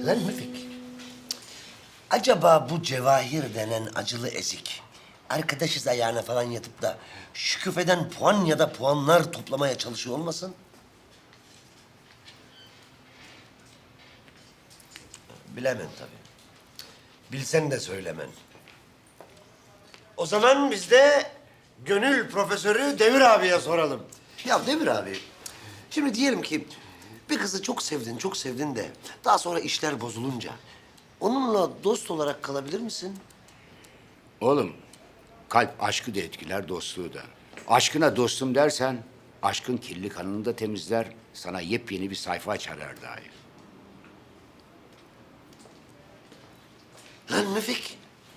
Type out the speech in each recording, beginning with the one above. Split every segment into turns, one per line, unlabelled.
Lan Müfik, acaba bu Cevahir denen acılı ezik, arkadaşız ayağına falan yatıp da Şükufe'den puan ya da puanlar toplamaya çalışıyor olmasın? Bilemem tabii. Bilsen de söylemen. O zaman biz de gönül profesörü Devir abiye soralım. Ya Devir abi, şimdi diyelim ki bir kızı çok sevdin de daha sonra işler bozulunca onunla dost olarak kalabilir misin?
Oğlum, kalp aşkı da etkiler, dostluğu da. Aşkına dostum dersen, aşkın kirli kanını da temizler, sana yepyeni bir sayfa açar her daim.
Lan Müfik,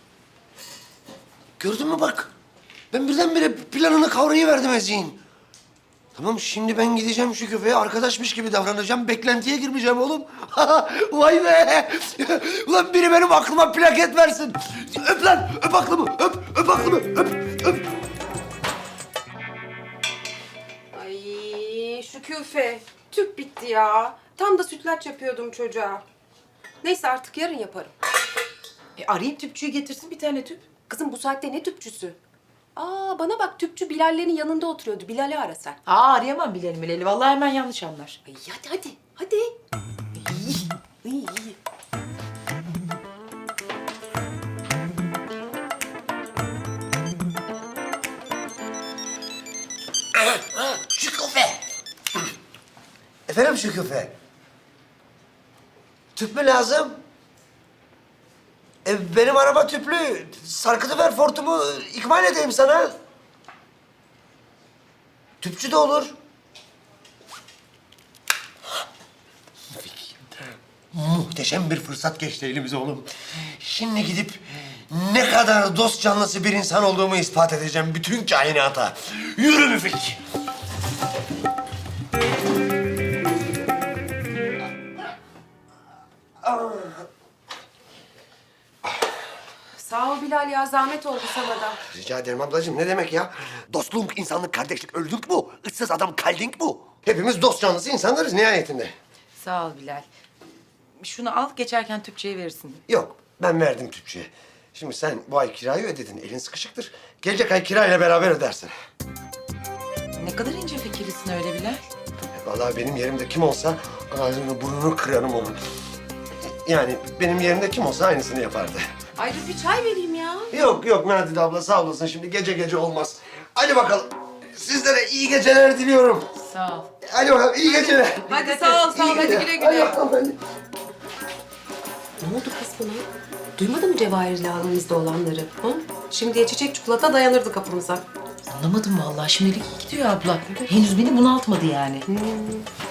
gördün mü bak? Ben birdenbire planını kavrayıverdim Ezgi'nin. Tamam, şimdi ben gideceğim şu köpeğe arkadaşmış gibi davranacağım. Beklentiye girmeyeceğim oğlum. Vay be! Ulan biri benim aklıma plaket versin. Öp lan, öp aklımı, öp aklımı, öp.
Ay Şüküfe, tüp bitti ya. Tam da sütlaç yapıyordum çocuğa. Neyse artık yarın yaparım.
Arayayım tüpçüyü getirsin bir tane tüp.
Kızım bu saatte ne tüpçüsü? Aa bana bak tüpçü Bilal'lerin yanında oturuyordu. Bilal'i ara sen.
Arayamam Bilal'i. Vallahi hemen yanlış anlar.
Ay hadi. İyi.
Şükufe! Efendim Şükufe? Tüp mü lazım? Benim araba tüplü. Sarkıtıver fortumu, ikmal edeyim sana. Tüpçü de olur. Muhteşem bir fırsat geçti elimize oğlum. Şimdi gidip ne kadar dost canlısı bir insan olduğumu ispat edeceğim bütün kainata. Yürü Müfik.
Sağ ol Bilal ya zahmet oldu sana da.
Rica ederim ablacığım. Ne demek ya? Dostluk, insanlık, kardeşlik, öldük bu. Issız adam kaldink bu. Hepimiz dost canlısı insanlarız nihayetinde.
Sağ ol Bilal. Şunu al geçerken tüpçüye verirsin.
Yok, ben verdim tüpçüye. Şimdi sen bu ay kirayı ödedin, elin sıkışıktır. Gelecek ay kirayla beraber ödersin.
Ne kadar ince fikirlisin öyle Bilal.
Vallahi benim yerimde kim olsa ağzını burnunu kırarım onun. Yani benim yerimde kim olsa aynısını yapardı.
Ay dur bir çay vereyim ya.
Yok Nadide abla sağ olasın. Şimdi gece olmaz. Hadi bakalım. Sizlere iyi geceler diliyorum.
Sağ ol.
Hadi bakalım iyi geceler.
Hadi sağ ol hadi güle güle.
Hadi bakalım, hadi.
Ne oldu kız buna? Duymadın mı Cevahir'le aramızda olanları? Ha? Şimdiye çiçek çikolata dayanırdı kapımıza.
Anlamadım vallahi. Şimdilik iyi gidiyor abla. Henüz beni bunaltmadı yani.